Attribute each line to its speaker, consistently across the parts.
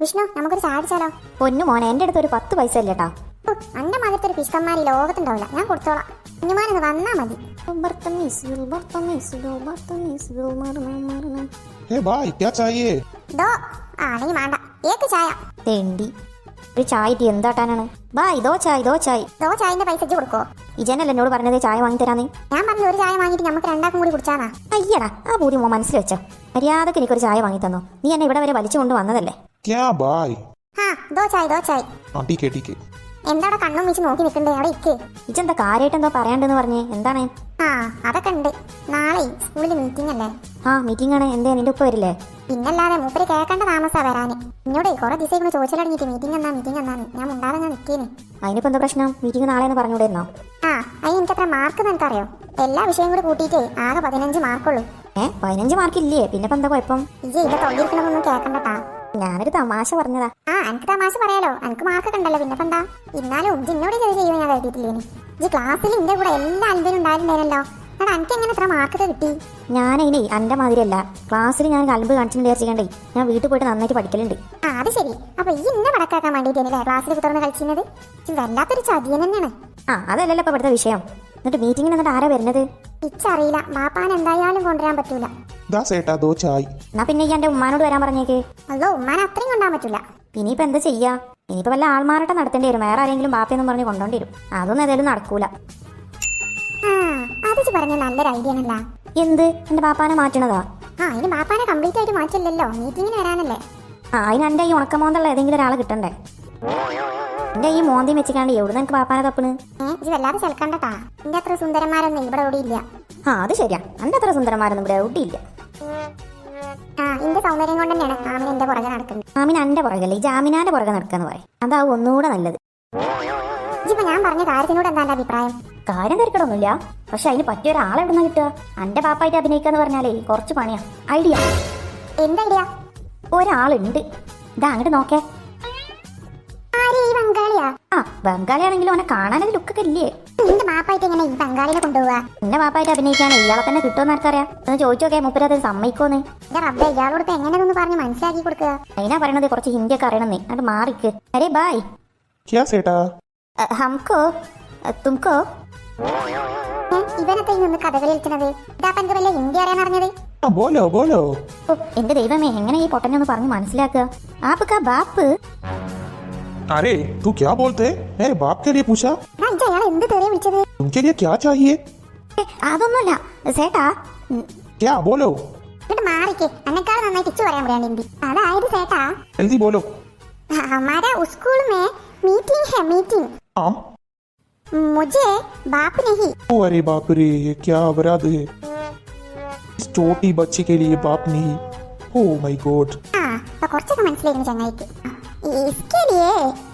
Speaker 1: വിഷ്ണു നമുക്കൊരു ചായ അടിച്ചാലോ?
Speaker 2: പൊന്നു മോനെ, എൻ്റെ അടുത്ത് ഒരു 10 പൈസ ഇല്ലേട്ടാ.
Speaker 1: അന്റെ മകത്തെ ഒരു പിഷ്കന്മാർ ഈ ലോകത്തുണ്ടാവില്ല. ഞാൻ കൊടുത്തോളാം. കുഞ്ഞുമാനൊന്ന് വന്നാ മതി.
Speaker 3: क्या चाहिए?
Speaker 1: ദോ ആണെങ്കിൽ വേണ്ട. ഏക്ക് ചായ.
Speaker 2: തെണ്ടി ഒരു ചായ ഇട്ടി എന്താട്ടാനാണ്? ബായ് ദോ ചായ് ദോ ചായ്.
Speaker 1: ദോ ചായന്റെ പൈസ ഇജ്ജ് കൊടുക്കോ?
Speaker 2: ഇജനല്ല എന്നോട് പറഞ്ഞത് ചായ വാങ്ങി തരാന്ന്.
Speaker 1: ഞാൻ പറഞ്ഞു ഒരു ചായ വാങ്ങിയിട്ട് നമുക്ക് രണ്ടാക്കും കൂടി കുടിച്ചാന്നാ.
Speaker 2: അയ്യടാ, ആ ബൂതി മോ മനസ്സിൽ വെച്ചോ. മര്യാദക്ക് എനിക്കൊരു ചായ വാങ്ങി തന്നോ. നീ എന്നെ ഇവിടെ വരെ വലിച്ചു കൊണ്ട് വന്നതല്ലേ.
Speaker 3: क्या बाय?
Speaker 1: ഹാ ദോ ചായ് ദോ ചായ്.
Speaker 3: हाँ ठीक है.
Speaker 1: എന്താടാ കണ്ണും വെച്ച് നോക്കി നിൽക്കണ്ടേ? അവിടെ ഇക്ക്.
Speaker 2: ഇജെന്താ കാര്യമായിട്ട് എന്തോ പറയാണ്ടെന്ന് പറഞ്ഞേ, എന്താണ്?
Speaker 1: ആ അതൊക്കെ ഉണ്ട്. നാളെ സ്കൂളിൽ മീറ്റിംഗ് അല്ലേ?
Speaker 2: ആ മീറ്റിംഗ് ആണ്. എന്തേ നിന്റെ ഉപ്പ വരില്ലേ?
Speaker 1: പിന്നല്ലാതെ മൂപ്പര് കേൾക്കേണ്ട താമസാ വരാന്. എന്നോട് കുറെ ദിവസം ചോദിച്ചിലടങ്ങിയിട്ട് മീറ്റിംഗ് എന്നാന്ന് ഞാൻ മുണ്ടാതെ ഞാൻ നിൽക്കേന്.
Speaker 2: അതിനിപ്പോ എന്താ പ്രശ്നം? മീറ്റിംഗ് നാളെയെന്ന് പറഞ്ഞുകൂടെയിരുന്നോ?
Speaker 1: ആ അതിന് എനിക്കത്ര മാർക്ക് നിനക്കറിയോ? എല്ലാ വിഷയം കൂടി കൂട്ടിയിട്ട് ആകെ 15 മാർക്കുള്ളൂ.
Speaker 2: 15 മാർക്കില്ലേ? പിന്നെ ഇപ്പൊ എന്താ കുഴപ്പം?
Speaker 1: ഇജ്ജ് ഇതിന്റെ തൊള്ളിയിരിക്കണമെന്നൊന്നും കേൾക്കണ്ടട്ടാ.
Speaker 2: ഞാനൊരു തമാശ പറഞ്ഞതാ.
Speaker 1: ആ എനിക്ക് തമാശ പറയാലോ. എനിക്ക് മാർക്കൊക്കെ ഉണ്ടല്ലോ. പിന്നെ എന്താ? എന്നാലും ഇന്നോട് ഇത് ചെയ്യുമെന്ന് ഞാൻ കരുതിയിട്ടില്ലേന്. ഇജ്ജ് ക്ലാസ്സിൽ എന്റെ കൂടെ എല്ലാ അൻപതിനും ഉണ്ടായിട്ടുണ്ടായിരുന്നല്ലോ. എടാ എനിക്ക് എങ്ങനെ ഇത്ര മാർക്കൊക്കെ കിട്ടി?
Speaker 2: ഞാനതിനെ എൻ്റെ മാതിരിയല്ല. ക്ലാസ്സിൽ ഞാൻ കലമ്പ് കാണിച്ചിട്ട് വിചാരിച്ചിട്ടുണ്ടേ ഞാൻ വീട്ടിൽ പോയിട്ട് നന്നായിട്ട് പഠിക്കലുണ്ട്.
Speaker 1: ആ അത് ശരി. അപ്പൊ ഈ ഇന്നെ പടക്കാക്കാൻ വേണ്ടിയിട്ടല്ലേ ക്ലാസ്സിൽ തുറന്ന് കളിച്ചിരുന്നത്? വല്ലാത്തൊരു ചതിയൻ തന്നെയാണ്.
Speaker 2: ആ അതല്ലല്ലോ ഇപ്പൊ ഇവിടുത്തെ വിഷയം. എന്നിട്ട് മീറ്റിങ്ങിന് എന്നിട്ട് ആരാ വരുന്നത്?
Speaker 1: ഇച്ചറിയില്ല. ബാപ്പാൻ എന്തായാലും കൊണ്ടുവരാൻ പറ്റൂല.
Speaker 3: दस एटा दो चाय.
Speaker 2: എന്നാ പിന്നെ ഈ എൻ്റെ ഉമ്മാനോട് വരാൻ പറഞ്ഞേക്ക്.
Speaker 1: അല്ലോ ഉമ്മാനെ അത്രയും കൊണ്ടാൻ പറ്റൂല.
Speaker 2: ഇനിയിപ്പോൾ എന്താ ചെയ്യാ? ഇനിയിപ്പോൾ വല്ല ആൾമാരട്ടം നടത്തേണ്ടി വരും. വേറെ ആരെങ്കിലും ബാപ്പയെന്നും പറഞ്ഞ് കൊണ്ടോണ്ടി വരും. അതൊന്നും ഏതായാലും നടക്കൂല.
Speaker 1: ആ അത് പറഞ്ഞ നല്ലൊരു ഐഡിയ ആണല്ല.
Speaker 2: എന്ത്? എൻ്റെ ബാപ്പാനെ മാറ്റണതാ?
Speaker 1: ആ അതിന് ബാപ്പാനെ കംപ്ലീറ്റ് ആയിട്ട് മാറ്റില്ലല്ലോ. മീറ്റിങ്ങിന് വരാനല്ലേ.
Speaker 2: ആ അതിന് എൻ്റെ ഈ ഉണക്കമോന്തുള്ള ഏതെങ്കിലും ഒരാളെ കിട്ടണ്ടേ? എൻ്റെ ഈ മോന്തി വെച്ചിക്കാണ്ട് എവിടെ നിന്ന് എനിക്ക് ബാപ്പാനെ തപ്പണ്?
Speaker 1: ഇത് വല്ലാതെ ചെലക്കണ്ടട്ടാ. എന്റെ അത്ര സുന്ദരന്മാരൊന്നും ഇവിടെ ഓടിയില്ല.
Speaker 2: ആ അത് ശരിയാ. എൻ്റെ അത്ര സുന്ദരന്മാരൊന്നും ഇവിടെ എവിടെയില്ല.
Speaker 1: ആ എന്റെ സൗന്ദര്യം കൊണ്ട് തന്നെയാണ് ആമിന എന്റെ പുറകെ നടക്കുന്നത്.
Speaker 2: ആമിന എൻ്റെ പുറകല്ലേ, ഈ ജാമിനാന്റെ പുറകെ നടക്കാന്ന് പറയും. അതാവും ഒന്നുകൂടെ നല്ലത്.
Speaker 1: ഇപ്പൊ ഞാൻ പറഞ്ഞ കാര്യത്തിനോട് എന്താ എന്റെ അഭിപ്രായം?
Speaker 2: കാര്യം തിരക്കടൊന്നുമില്ല. പക്ഷെ അതിന് പറ്റിയ ഒരാളെ എവിടുന്ന കിട്ടുക? എൻ്റെ പാപ്പായിട്ട് അഭിനയിക്കാന്ന് പറഞ്ഞാലേ കുറച്ച് പണിയാ. ഐഡിയ.
Speaker 1: എന്ത് ഐഡിയ?
Speaker 2: ഒരാളുണ്ട്. ഇതാ അങ്ങോട്ട് നോക്കേ.
Speaker 1: ആര്? ഈ ബംഗാളിയാ?
Speaker 2: ആ ബംഗാളിയാണെങ്കിലും അവനെ കാണാനൊരു ലുക്കൊക്കെ ഇല്ലേ?
Speaker 1: നിന്റെ മാപ്പായിട്ട് എങ്ങനെ ഈ ബംഗാളിനെ കൊണ്ടുപോവാ?
Speaker 2: എന്റെ പാപ്പായിട്ട് അഭിനയിക്കാൻ ഇയാളെ തന്നെ കിട്ടുമെന്ന് ആർക്കറിയാം? ഒന്ന് ചോദിച്ചോക്കെ മുപ്പരത് സമ്മതിക്കോന്ന്.
Speaker 1: എന്റെ റബ്ബേ ഇയാളോട് എങ്ങനെയൊന്ന് പറഞ്ഞ് മനസ്സിലാക്കി കൊടുക്കുക.
Speaker 2: അതിനാ പറയണത് കുറച്ച് ഹിന്ദിയൊക്കെ അറിയണമെന്നേ. അത് മാറിക്ക്. അരേ ബായ്.
Speaker 3: क्या सेटा?
Speaker 2: ഹംകോ തുംകോ.
Speaker 1: ഇവനത്തെ നിന്ന് കഥകളി കളിക്കുന്നത്? ഇതാ എനിക്ക് വല്ല ഹിന്ദി അറിയാൻ അറിഞ്ഞത്?
Speaker 3: हाँ बोलो बोलो.
Speaker 2: ഓ എന്റെ ദൈവമേ, എങ്ങനെ ഈ പൊട്ടനെ ഒന്ന് പറഞ്ഞ് മനസ്സിലാക്കുക? ആപ്പ്ക്കാ ബാപ്പ്.
Speaker 3: अरे तू क्या बोलते? मेरे बाप के लिए पूछा?
Speaker 1: അയാൾ എന്ത് തെറിയ വിളിച്ചത്?
Speaker 3: तुमके लिए क्या चाहिए?
Speaker 2: അതൊന്നുമില്ല സേട്ടാ.
Speaker 3: क्या बोलो?
Speaker 1: എന്നിട്ട് മാറിക്ക്. എന്നെക്കാൾ നന്നായിട്ട് ഇച്ചു പറയാൻ പറയാൻ ഹിന്ദി. അതായത് ചേട്ടാ,
Speaker 3: जल्दी बोलो.
Speaker 1: हमारा स्कूल में मीटिंग है. मीटिंग
Speaker 3: हाँ.
Speaker 1: मुझे बाप नहीं.
Speaker 3: ओ अरे बाप रे, ये क्या अपराध है? इस छोटी बच्ची के लिए बाप नहीं. Oh my god.
Speaker 1: हाँ तो കുറച്ചൊക്കെ മനസ്സിലായിരുന്നു ചങ്ങായിക്ക്. इसके लिए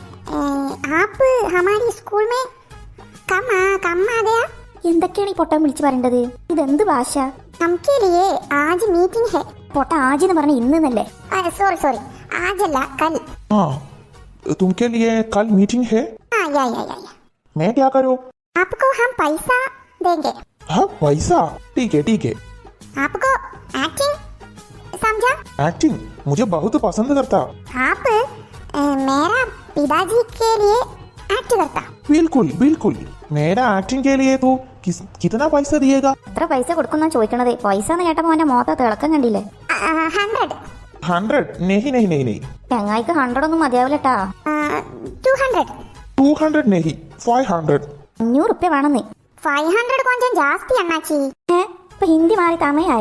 Speaker 1: आप हमारी स्कूल में कम आ गया.
Speaker 2: എന്തൊക്കെയാണ് ഈ പൊട്ടൻ വിളിച്ചു പറയേണ്ടത്? ഇതെന്ത് ഭാഷ?
Speaker 1: हमके लिए आज मीटिंग है.
Speaker 2: പൊട്ട ആജി എന്ന് പറഞ്ഞ ഇന്നല്ലേ?
Speaker 1: सॉरी आज अല്ല कल.
Speaker 3: हाँ तुमके लिए कल मीटिंग है.
Speaker 1: हाँ या
Speaker 3: मैं क्या करूँ?
Speaker 1: आपको हम पैसा देंगे.
Speaker 3: हाँ पैसा? ठीक है.
Speaker 1: आपको एक्टिंग समझा?
Speaker 3: एक्टिंग मुझे बहुत पसंद करता.
Speaker 1: आप मेरा पिताजी के लिए एक्ट करता.
Speaker 3: बिल्कुल. मेरा एक्टिंग के लिए तो कितना पैसा दिएगा?
Speaker 2: എത്ര പൈസ കൊടുക്കുന്ന ചോദിക്കണത്? പൈസ എന്ന് കേട്ടപ്പോ അവന്റെ മോത്ത തിളക്കം കണ്ടില്ലേ?
Speaker 1: 100.
Speaker 3: 100? नहीं.
Speaker 2: ചങ്ങായിക്ക് 100 ഒന്നും മതിയാവില്ലട്ടാ.
Speaker 1: 200.
Speaker 3: 200 नहीं, 500.
Speaker 2: 500 റുപ്യ വേണമെന്ന്.
Speaker 1: 500 കൊഞ്ചം ജാസ്തി അണ്ണാച്ചി.
Speaker 2: ഇപ്പൊ ഹിന്ദി മാറി തമയായ?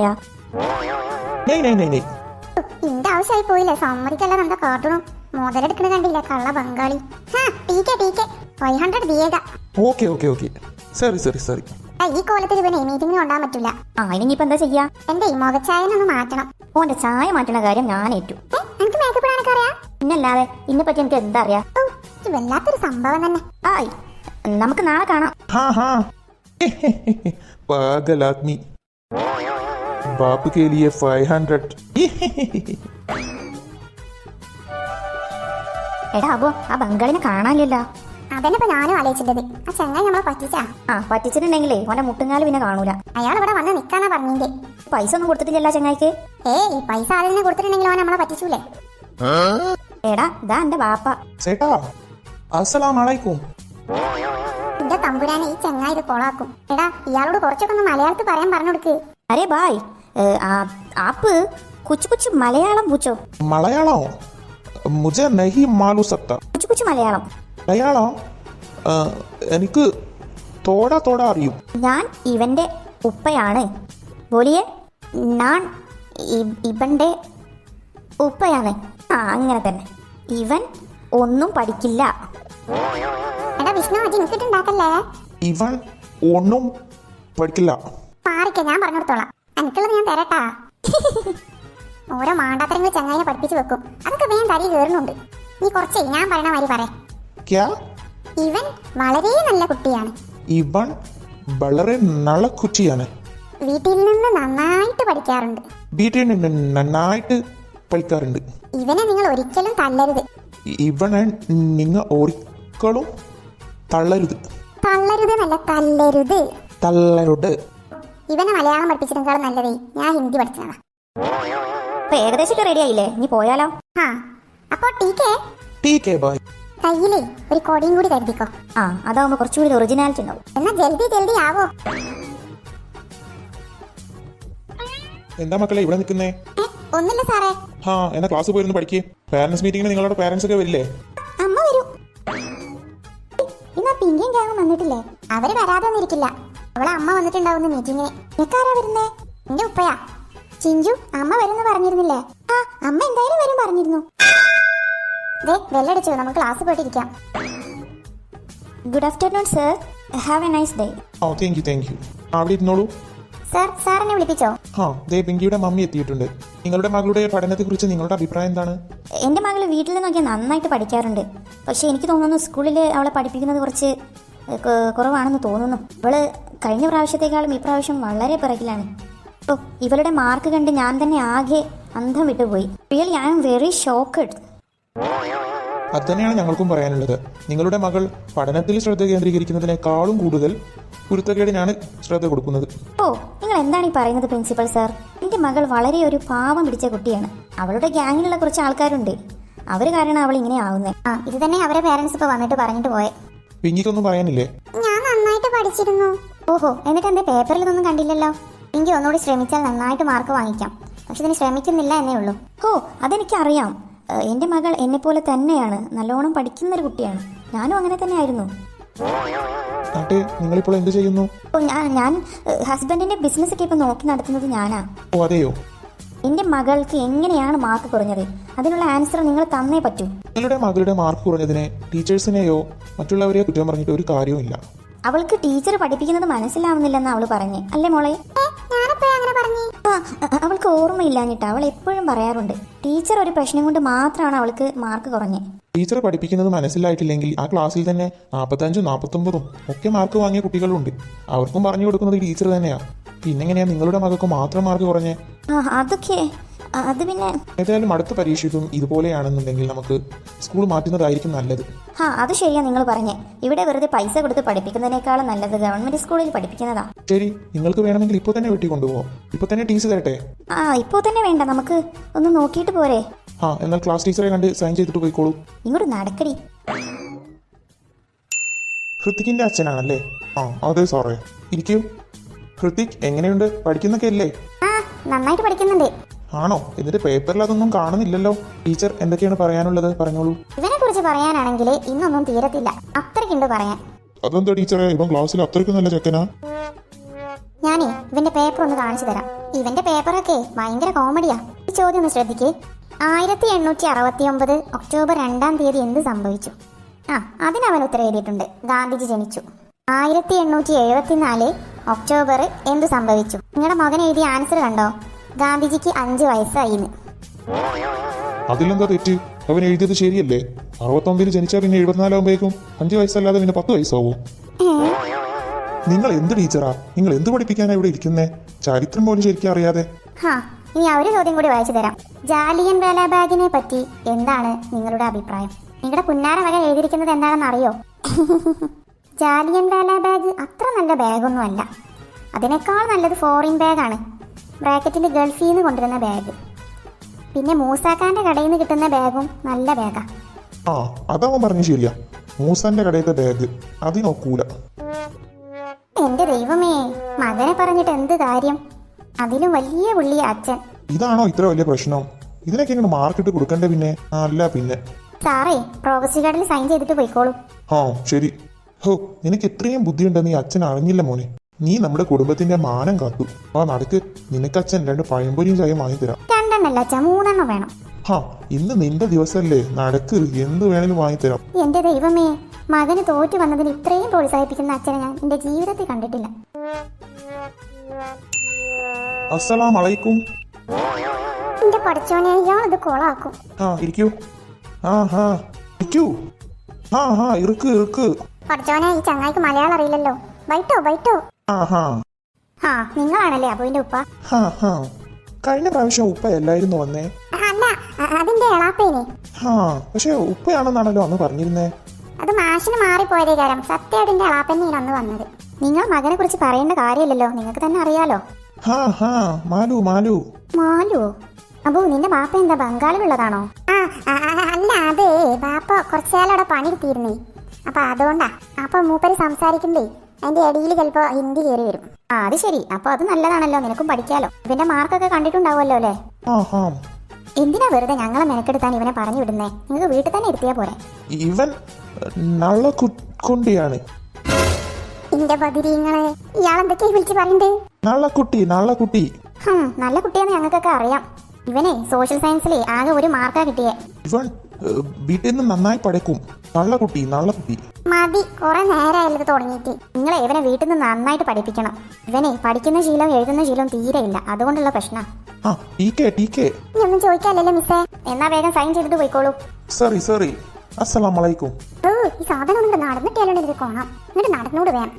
Speaker 3: नहीं.
Speaker 1: ഇന്റെ ആവശ്യമായി പോയില്ലേ? സമ്മതിക്കല്ല. എന്താ കാട്ടണം? മുതലെടുക്കണ കണ്ടില്ല കള്ള ബംഗാളി. ടീക്കെ 500 ദിയേഗ.
Speaker 3: ओके. सॉरी.
Speaker 1: ഈ കോലത്തിൽ ഇവനെ മീറ്റിംഗിന് കൊണ്ടാൻ പറ്റൂല.
Speaker 2: ആ ഇനിയിപ്പോ എന്താ ചെയ്യാ?
Speaker 1: എന്റെ ഈ മുഖച്ചായനൊന്ന് മാറ്റണം.
Speaker 2: ഓന്റെ ചായ മാറ്റുന്ന കാര്യം ഞാൻ ഏറ്റു.
Speaker 1: എനിക്ക് മേക്കപ്പ് ഇടാനൊക്കെ അറിയാം.
Speaker 2: പിന്നല്ലാതെ ഇതിനെ പറ്റി എനിക്ക് എന്താ അറിയാ?
Speaker 1: ഇത് വല്ലാത്തൊരു സംഭവം തന്നെ.
Speaker 2: ആയി നമുക്ക് നാളെ കാണാം.
Speaker 3: हाँ. पागल आदमी. बाप के लिए 500.
Speaker 2: എടാ അബോ, ആ ബംഗാളിനെ കാണാനില്ലല്ലോ.
Speaker 1: അതന്നെ ഇപ്പൊ ഞാനും ആലോചിച്ചത്. ആ ചങ്ങായി നമ്മളെ പറ്റിച്ചാ.
Speaker 2: ആ പറ്റിച്ചിട്ടുണ്ടെങ്കിലേ ഓന്റെ മുട്ടുങ്ങാല് പിന്നെ കാണൂല.
Speaker 1: അയാൾ ഇവിടെ വന്ന് നിക്കാന്നാ പറഞ്ഞിന്റെ.
Speaker 2: പൈസ ഒന്നും കൊടുത്തിട്ടില്ലല്ലോ ചങ്ങായിക്ക്.
Speaker 1: ഈ പൈസ ആദ്യം കൊടുത്തിട്ടുണ്ടെങ്കിൽ അവൻ നമ്മളെ പറ്റിച്ചൂലേ?
Speaker 2: എടാ ഇതാ എന്റെ ബാപ്പ.
Speaker 3: ചേട്ടാ അസ്സലാം അലൈക്കും.
Speaker 1: എന്റെ തമ്പുരാനെ ഈ ചങ്ങായി ഇത് കൊളാക്കും. എടാ ഇയാളോട് കുറച്ചൊക്കെ ഒന്ന് മലയാളത്തിൽ പറയാൻ പറഞ്ഞു കൊടുക്ക്.
Speaker 2: അരേ ബായ്, ആപ്പ് കുച്ചു കുച്ചു മലയാളം പൂച്ചോ.
Speaker 3: മലയാളം മുझे नहीं मालूम सकता.
Speaker 2: കുച്ചു കുച്ചു മലയാളം.
Speaker 3: മലയാളം എനിക്ക് തോടാ തോടാ അറിയും.
Speaker 2: ഞാൻ ഇവന്റെ ഉപ്പയാണ്. ബോലിയെ ഞാൻ ഇവന്റെ ഉപ്പയാണ്. ആ അങ്ങനെ തന്നെ. ഇവൻ ഒന്നും പഠിക്കില്ല.
Speaker 1: എടാ വിഷ്ണു അജി നിൽക്കിട്ടുണ്ടാക്കല്ലേ.
Speaker 3: ഇവൻ ഒന്നും പഠിക്കില്ല.
Speaker 1: പാറിക്ക ഞാൻ പറഞ്ഞു കൊടുത്തോളാം. എനിക്കുള്ളത് ഞാൻ തരട്ടാ. ഓരോ മാണ്ടാത്തരങ്ങൾ ചങ്ങായിനെ പഠിപ്പിച്ചു വെക്കും. അതൊക്കെ വേഗം തരി കയറുന്നുണ്ട്. നീ കുറച്ചേ ഞാൻ പറയണ മാതിരി പറ.
Speaker 3: ക്യാ?
Speaker 1: ഇവൻ വളരെ നല്ല കുട്ടിയാണ്.
Speaker 3: ഇവൻ വളരെ നല്ല കുട്ടിയാണ്.
Speaker 1: വീട്ടിൽ നിന്ന് നന്നായിട്ട് പഠിക്കാറുണ്ട്.
Speaker 3: വീട്ടിൽ നിന്ന് നന്നായിട്ട് പഠിക്കാറുണ്ട്.
Speaker 1: ഇവനെ നിങ്ങൾ ഒരിക്കലും തള്ളരുത്.
Speaker 3: ഇവനെ നിങ്ങൾ ഒരിക്കലും തള്ളരുത്.
Speaker 1: തള്ളരുത് എന്നല്ല, തല്ലരുത്.
Speaker 3: തള്ളരുത്.
Speaker 1: ഇവനെ മലയാളം പഠിപ്പിച്ചതിനേക്കാളും നല്ലതേ ഞാൻ ഹിന്ദി പഠിച്ചതാ.
Speaker 2: അപ്പൊ ഏകദേശം റെഡി ആയില്ലേ? ഇനി പോയാലോ?
Speaker 1: ആ അപ്പൊ ടീക്കേ
Speaker 3: ടീക്കേ ബായ്.
Speaker 1: കയ്യിലേ ഒരു കൊടിയും കൂടി കരുതിക്കോ.
Speaker 2: ആ അതാവുമ്പോ കുറച്ചുകൂടി ഒറിജിനാലിറ്റി ഉണ്ടാവും.
Speaker 1: എന്നാ ജൽദി ആവോ.
Speaker 3: എന്താ മക്കളെ ഇവിടെ നിൽക്കുന്നേ?
Speaker 1: ഒന്നില്ല സാറേ.
Speaker 3: ആ എന്നാ ക്ലാസ് പോയിരുന്നു പഠിക്കേ. പാരന്റ്സ് മീറ്റിംഗിന് നിങ്ങളുടെ പാരന്റ്സ് ഒക്കെ വരില്ലേ?
Speaker 1: അമ്മ വരൂ. ഇന്നാ പിന്നെയും കേങ്ങും വന്നിട്ടില്ലേ? അവര് വരാതെ ഒന്നിരിക്കില്ല. അവളെ അമ്മ വന്നിട്ടുണ്ടാവുന്ന മീറ്റിങ്ങിന്. നിനക്കാരാ വരുന്നേ? എന്റെ ഉപ്പയാ. ചിഞ്ചു അമ്മ വരുന്നു പറഞ്ഞിരുന്നില്ലേ? ആ അമ്മ എന്തായാലും വരും പറഞ്ഞിരുന്നു. ദേ വെല്ലടിച്ചു, നമുക്ക് ക്ലാസ് പോയിട്ടിരിക്കാം.
Speaker 2: Good afternoon sir. Have a nice day.
Speaker 3: Oh thank you. അവിടെ ഇരുന്നോളൂ.
Speaker 1: സാർ എന്നെ വിളിപ്പിച്ചോ?
Speaker 3: ആ ദേ പിങ്കിയുടെ മമ്മി എത്തിയിട്ടുണ്ട്. നിങ്ങളുടെ മകളുടെ പഠനത്തെക്കുറിച്ച് നിങ്ങളുടെ അഭിപ്രായം എന്താണ്?
Speaker 2: എൻ്റെ മകൾ വീട്ടിൽ നിന്നൊക്കെ നന്നായിട്ട് പഠിക്കാറുണ്ട്. പക്ഷേ എനിക്ക് തോന്നുന്നു സ്കൂളിൽ അവളെ പഠിപ്പിക്കുന്നത് കുറച്ച് കുറവാണെന്ന് തോന്നുന്നു. അവള് കഴിഞ്ഞ പ്രാവശ്യത്തെക്കാളും ഈ പ്രാവശ്യം വളരെ പിറകിലാണ്. ഓ ഇവളുടെ മാർക്ക് കണ്ട് ഞാൻ തന്നെ ആകെ അന്തം വിട്ടുപോയി. Really I am very shocked.
Speaker 3: അത് തന്നെയാണ് ഞങ്ങൾക്കും പറയാനുള്ളത്. നിങ്ങളുടെ മകൾ പഠനത്തിൽ ശ്രദ്ധ കേന്ദ്രീകരിക്കുന്നതിനേക്കാളും കൂടുതൽ കുരുത്തക്കേടിനാണ് ശ്രദ്ധ കൊടുക്കുന്നത്.
Speaker 2: ഓ നിങ്ങൾ എന്താണ് ഈ പറയുന്നത് പ്രിൻസിപ്പൽ സാർ? എൻ്റെ മകൾ വളരെ ഒരു പാവം പിടിച്ച കുട്ടിയാണ്. അവളുടെ ഗ്യാങ്ങിലുള്ള കുറച്ച് ആൾക്കാരുണ്ട്. അവർ കാരണം അവൾ ഇങ്ങനെ ആവുന്നത്.
Speaker 1: ആ ഇത് തന്നെ അവരെ പേരൻസ് ഇപ്പൊ വന്നിട്ട് പറഞ്ഞിട്ട് പോയെ.
Speaker 3: പിങ്കിക്കൊന്നും പറയാനില്ലേ?
Speaker 1: ഞാൻ നന്നായിട്ട് പഠിച്ചിരുന്നു. ഓഹോ എന്നിട്ട് എന്റെ പേപ്പറിൽ ഇതൊന്നും കണ്ടില്ലല്ലോ. എനിക്ക് ഒന്നുകൂടി ശ്രമിച്ചാൽ നന്നായിട്ട് മാർക്ക് വാങ്ങിക്കാം. പക്ഷെ ഇതിന് ശ്രമിക്കുന്നില്ല എന്നേ ഉള്ളൂ.
Speaker 2: ഓ അതെനിക്കറിയാം. എൻ്റെ മകൾ എന്നെപ്പോലെ തന്നെയാണ്. നല്ലോണം പഠിക്കുന്നൊരു കുട്ടിയാണ്. ഞാനും അങ്ങനെ തന്നെ ആയിരുന്നു.
Speaker 3: ആട്ടെ നിങ്ങളിപ്പോൾ എന്ത് ചെയ്യുന്നു?
Speaker 2: ഓ ഞാൻ ഹസ്ബൻഡിൻ്റെ ബിസിനസ്സൊക്കെ ഇപ്പോൾ നോക്കി നടത്തുന്നത് ഞാനാ.
Speaker 3: ഓ അതെയോ?
Speaker 2: എൻ്റെ മകൾക്ക് എങ്ങനെയാണ് മാർക്ക് കുറഞ്ഞത്? അതിനുള്ള ആൻസർ നിങ്ങൾ തന്നേ പറ്റൂ.
Speaker 3: നിങ്ങളുടെ മകളുടെ മാർക്ക് കുറഞ്ഞതിനെ ടീച്ചേഴ്സിനെയോ മറ്റുള്ളവരെയോ കുറ്റം പറഞ്ഞിട്ട് ഒരു കാര്യവുമില്ല.
Speaker 2: അവൾക്ക് ടീച്ചർ പഠിപ്പിക്കുന്നത് മനസ്സിലാവുന്നില്ലെന്ന് അവൾ പറഞ്ഞേ അല്ലേ മോളെ? അവൾക്ക് ഓർമ്മയില്ലാഞ്ഞിട്ട് അവൾ എപ്പോഴും പറയാറുണ്ട് ടീച്ചർ ഒരു പ്രശ്നം കൊണ്ട് മാത്രമാണ് അവൾക്ക് മാർക്ക് കുറഞ്ഞേ.
Speaker 3: ടീച്ചർ പഠിപ്പിക്കുന്നത് മനസ്സിലായിട്ടില്ലെങ്കിൽ ആ ക്ലാസ്സിൽ തന്നെ 45, 49 ഒക്കെ മാർക്ക് വാങ്ങിയ കുട്ടികളുണ്ട്. അവർക്കും പറഞ്ഞു കൊടുക്കുന്നത് ടീച്ചർ തന്നെയാ. പിന്നെങ്ങനെയാ നിങ്ങളുടെ മകൾക്ക് മാത്രം മാർക്ക് കുറഞ്ഞേ?
Speaker 2: അതൊക്കെ അത് പിന്നെ
Speaker 3: ഏതായാലും അടുത്ത പരീക്ഷയ്ക്കും ഇതുപോലെയാണെന്നുണ്ടെങ്കിൽ നമുക്ക് സ്കൂൾ മാറ്റുന്നതായിരിക്കും നല്ലത്.
Speaker 2: അത് ശരിയാ നിങ്ങൾ പറഞ്ഞേ. ഇവിടെ വെറുതെ പൈസ കൊടുത്ത് പഠിപ്പിക്കുന്നതിനേക്കാളും നല്ലത് ഗവൺമെന്റ് സ്കൂളിൽ പഠിപ്പിക്കുന്നതാ.
Speaker 3: ശരി നിങ്ങൾക്ക് വേണമെങ്കിൽ ഇപ്പോൾ തന്നെ വെട്ടി കൊണ്ടുപോകാം. ഇപ്പോൾ തന്നെ ടീച്ചർ തരട്ടെ?
Speaker 2: ഇപ്പോൾ തന്നെ വേണ്ട, നമുക്ക് ഒന്ന് നോക്കിയിട്ട് പോരെ.
Speaker 3: എന്നാൽ ക്ലാസ് ടീച്ചറെ കണ്ട് സൈൻ ചെയ്തിട്ട് പോയിക്കോളൂ.
Speaker 2: ഇങ്ങോട്ട് നടക്കടി.
Speaker 3: ഹൃത്തിക്കിന്റെ അച്ഛനാണല്ലേ? അതെ സാറേ. ഇരിക്കൂ. ഹൃത്തിക് എങ്ങനെയുണ്ട്? പഠിക്കുന്നൊക്കെ അല്ലേ?
Speaker 1: നന്നായിട്ട് പഠിക്കുന്നുണ്ട്.
Speaker 3: ആണോ? എന്നിട്ട് പേപ്പറിൽ അതൊന്നും കാണുന്നില്ലല്ലോ. ടീച്ചർ എന്തൊക്കെയാണ് പറയാനുള്ളത്? പറഞ്ഞോളൂ.
Speaker 1: ഇവനെ കുറിച്ച് പറയാനാണെങ്കിൽ ഇന്നൊന്നും തീരത്തില്ല. അത്രയ്ക്കുണ്ട് പറയാൻ.
Speaker 3: അതെന്താ ടീച്ചറെ, ഇവൻ ക്ലാസ്സിൽ അത്രയ്ക്ക് നല്ല ചെക്കനാ?
Speaker 1: ഞാനേ ഇവന്റെ പേപ്പർ ഒന്ന് കാണിച്ചു തരാം. ഇവന്റെ പേപ്പറൊക്കെ ഭയങ്കര കോമഡിയാ. ഈ ചോദ്യം ഒന്ന് ശ്രദ്ധിക്കേ. 1869 ഒക്ടോബർ 2-ാം തീയതി എന്ത് സംഭവിച്ചു? അതിനവൻ ഉത്തരം എഴുതിയിട്ടുണ്ട്. ഗാന്ധിജി ജനിച്ചു. 1874 ഒക്ടോബർ എന്ത് സംഭവിച്ചു? നിങ്ങളുടെ മകൻ എഴുതിയ ആൻസർ കണ്ടോ? ഗാന്ധിജിക്ക് 5 വയസ്സായിന്ന്.
Speaker 3: അതിലെന്താ തെറ്റ്? അവൻ എഴുതിയത് ശരിയല്ലേ? 69 ജനിച്ചാൽ പിന്നെ 74 ആകുമ്പോഴേക്കും 5 വയസ്സല്ലാതെ പിന്നെ 10 വയസ്സാവും. നിങ്ങൾ എന്ത് ടീച്ചറാ? നിങ്ങൾ എന്ത് പഠിപ്പിക്കാനാ ഇവിടെ ഇരിക്കുന്നേ? ചരിത്രം പോലും ശരിക്കും അറിയാതെ.
Speaker 1: ഇനി ഒരു ചോദ്യം കൂടി വായിച്ചു തരാം. ജാലിയൻ വാലാബാഗിനെ പറ്റി എന്താണ് നിങ്ങളുടെ അഭിപ്രായം? നിങ്ങളുടെ പുന്നാര വക എഴുതിയിരിക്കുന്നത് എന്താണെന്ന് അറിയോ? ജാലിയൻ വാലാബാഗ് അത്ര നല്ല ബാഗൊന്നും അല്ല. അതിനേക്കാൾ നല്ലത് ഫോറിൻ ബാഗാണ്. ബ്രാക്കറ്റിൽ ഗൾഫിൽ നിന്ന് കൊണ്ടുവരുന്ന ബാഗ്. പിന്നെ മൂസാക്കാന്റെ കടയിൽ നിന്ന് കിട്ടുന്ന ബാഗും നല്ല ബാഗാ.
Speaker 3: ആ അതവൻ പറഞ്ഞു ശരിയാ. മൂസാന്റെ കടയിലത്തെ ബാഗ് അതിനൊക്കൂല.
Speaker 1: എന്റെ ദൈവമേ, മകനെ പറഞ്ഞിട്ട് എന്ത് കാര്യം? അതിലും വലിയ പുള്ളിയ അച്ഛൻ.
Speaker 3: ഇതാണോ ഇത്ര വലിയ പ്രശ്നം? ഇതിനൊക്കെ ഇങ്ങനെ മാർക്കിട്ട് കൊടുക്കണ്ടേ പിന്നെ? അല്ല പിന്നെ.
Speaker 1: സാറേ, പ്രോഗ്രസ് കാർഡിൽ സൈൻ ചെയ്തിട്ട് പോയിക്കോളൂ.
Speaker 3: ആ ശരി. ഹോ, നിനക്ക് ഇത്രയും ബുദ്ധിയുണ്ടെന്ന് ഈ അച്ഛൻ അറിഞ്ഞില്ല മോനെ. നീ നമ്മുടെ കുടുംബത്തിന്റെ മാനം കാത്തു. ആ നടക്ക്, നിനക്ക് അച്ഛൻ 2 പഴംപൊരിയും ചായയും വാങ്ങിത്തരാം.
Speaker 1: 2 അല്ല അച്ഛാ, 3 വേണം.
Speaker 3: ഹാ, ഇന്ന് നിന്റെ ദിവസമല്ലേ, നടക്ക്, എന്ത് വേണേലും വാങ്ങിത്തരാം.
Speaker 1: എന്റെ ദൈവമേ, മകന് തോറ്റു വന്നതിന് ഇത്രയും പ്രോത്സാഹിപ്പിക്കുന്ന അച്ഛനെ ഞാൻ എന്റെ ജീവിതത്തിൽ കണ്ടിട്ടില്ല.
Speaker 3: അസ്സലാം അലൈക്കും.
Speaker 1: എന്റെ പഠിച്ചോനെ, ഇയാളത് കൊളാക്കും.
Speaker 3: ആ ഇരിക്കൂ. ഇരിക്കൂ. ഇറുക്ക്.
Speaker 1: പഠിച്ചോനെ, ഈ ചങ്ങായിക്ക് മലയാളം അറിയില്ലല്ലോ. ബൈറ്റോ. ആ, നിങ്ങളാണല്ലേ അബുവിന്റെ ഉപ്പ?
Speaker 3: കഴിഞ്ഞ പ്രാവശ്യം ഉപ്പ എല്ലായിരുന്നു വന്നേ.
Speaker 1: അല്ല, അതിന്റെ എളാപ്പേനെ.
Speaker 3: പക്ഷെ ഉപ്പയാണെന്നാണല്ലോ അന്ന് പറഞ്ഞിരുന്നേ.
Speaker 1: അത് മാഷിന് മാറിപ്പോയതേ കാര്യം. സത്യമായിട്ട് എളാപ്പന്നെയാണ് അന്ന് വന്നത്. നിങ്ങൾ മകനെ കുറിച്ച് പറയേണ്ട കാര്യമില്ലല്ലോ, നിങ്ങൾക്ക് തന്നെ അറിയാലോ. മാലു. അബു, നിന്റെ ബാപ്പ എന്താ ബംഗാളിലുള്ളതാണോ? അല്ല, അതെ, ബാപ്പ കുറച്ചുകാലം അവിടെ പണിയെടുത്തിരുന്നേ. അപ്പൊ അതുകൊണ്ടാ. അപ്പൊ മൂപ്പര് സംസാരിക്കുമ്പേ അതിന്റെ ഇടയിൽ ചിലപ്പോ ഹിന്ദി കയറി വരും. അത് ശരി. അപ്പൊ അത് നല്ലതാണല്ലോ, നിനക്കും പഠിക്കാലോ. ഇവന്റെ മാർക്കൊക്കെ കണ്ടിട്ടുണ്ടാവുമല്ലോ അല്ലേ? എന്തിനാ വെറുതെ ഞങ്ങളെ മെനക്കെടുത്താൻ ഇവനെ പറഞ്ഞു വിടുന്നേ? നിങ്ങൾക്ക് വീട്ടിൽ തന്നെ ഇരുത്തിയാ പോരെ.
Speaker 3: ഇവൻ നള്ളക്കുട്ടിയാണ്.
Speaker 1: എന്റെ ബദിരിങ്ങളെ, ഇയാളെന്തൊക്കെയാ വിളിച്ച് പറയണ്ടേ?
Speaker 3: നള്ളക്കുട്ടി.
Speaker 1: നല്ല കുട്ടിയാന്ന് ഞങ്ങൾക്കൊക്കെ അറിയാം. ഇവനെ സോഷ്യൽ സയൻസിലെ ആകെ 1 മാർക്കാ കിട്ടിയേ.
Speaker 3: ഇവൻ വീട്ടിൽ നിന്ന് നന്നായി പഠിക്കും. നള്ളക്കുട്ടി.
Speaker 1: മതി, കുറെ നേരമായത് തുടങ്ങിയിട്ട്. നിങ്ങളെ ഇവനെ വീട്ടിൽ നിന്ന് നന്നായിട്ട് പഠിപ്പിക്കണം. ഇവനെ പഠിക്കുന്ന ശീലം എഴുതുന്ന ശീലം തീരെയില്ല, അതുകൊണ്ടുള്ള പ്രശ്നം. ഇനി ഒന്നും ചോദിക്കാല്ലല്ലോ മിസ്സേ. എന്നാ വേഗം സൈൻ ചെയ്തിട്ട് പോയിക്കോളൂ.
Speaker 3: സോറി. അസ്സലാമു അലൈക്കും.
Speaker 1: ഈ സാധനം കൊണ്ട് നടന്നിട്ടാലും ഇത് കോണം. എന്നിട്ട് നടന്നോട് വേണം.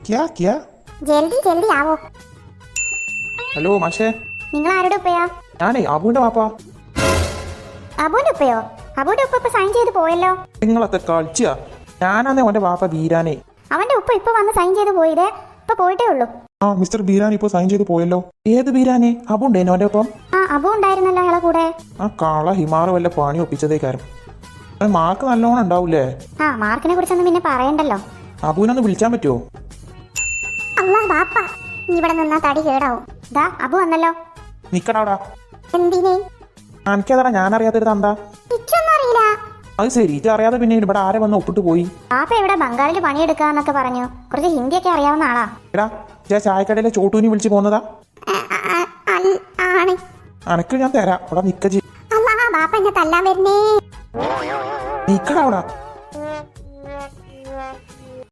Speaker 1: ജൽദി ആവോ.
Speaker 3: ഹലോ മാഷേ.
Speaker 1: നിങ്ങൾ ആരുടെ ഉപ്പയാ?
Speaker 3: ഞാനേ അബുവിന്റെ വാപ്പ.
Speaker 1: അബുവിന്റെ ഉപ്പയോ? അബുവിന്റെ ഉപ്പ ഇപ്പൊ സൈൻ ചെയ്ത് പോയല്ലോ.
Speaker 3: നിങ്ങളത്തെ കളിച്ചാ? ഞാനാന്നേ അവന്റെ വാപ്പ ബീരാനെ.
Speaker 1: അവന്റെ ഉപ്പ ഇപ്പൊ വന്ന് സൈൻ ചെയ്ത് പോയില്ലേ? ഇപ്പൊ പോയിട്ടേ ഉള്ളൂ.
Speaker 3: മിസ്റ്റർ ബീരാൻ ഇപ്പൊ സൈൻ ചെയ്ത് പോയല്ലോ. ഏത് ബീരാനെ? അബു ഉണ്ടേനോ അവന്റെ ഒപ്പം?
Speaker 1: അബു ഉണ്ടായിരുന്നല്ലോ അയാളെ കൂടെ.
Speaker 3: കാള ഹിമാറ് വല്ല പണി ഒപ്പിച്ചതേക്കാരും. മാർക്ക് നല്ലോണം ഉണ്ടാവൂലേ?
Speaker 1: മാർക്കിനെ കുറിച്ചൊന്നും പിന്നെ പറയണ്ടല്ലോ.
Speaker 3: അബുവിനൊന്ന് വിളിച്ചാൻ പറ്റുമോ?
Speaker 1: അല്ലാ ബാപ്പ, ഇവിടെ നിന്നാ തടി കേടാവും. ദാ അബു വന്നല്ലോ.
Speaker 3: നിക്കടാ.
Speaker 1: എന്തിനെ?
Speaker 3: എനിക്കതാ, ഞാൻ അറിയാത്തൊരു തന്താ.
Speaker 1: അറിയില്ല.
Speaker 3: അത് ശരി, ഇത് അറിയാതെ പിന്നെ ഇവിടെ ആരെ വന്ന് ഒപ്പിട്ട് പോയി?
Speaker 1: ബാപ്പ ഇവിടെ ബംഗാളിൽ പണിയെടുക്കാന്നൊക്കെ പറഞ്ഞു. കുറച്ച് ഹിന്ദിയൊക്കെ അറിയാവുന്ന ആളാ.
Speaker 3: എടാ, ചായക്കടയിലെ ചോട്ടൂനി വിളിച്ച് പോന്നതാ? അനക്ക് ഞാൻ തരാം. അവിടെ നിക്ക.
Speaker 1: ബാപ്പ എന്നെ തല്ലാൻ വരുന്നേ.
Speaker 3: നിക്കടാ അവിടെ.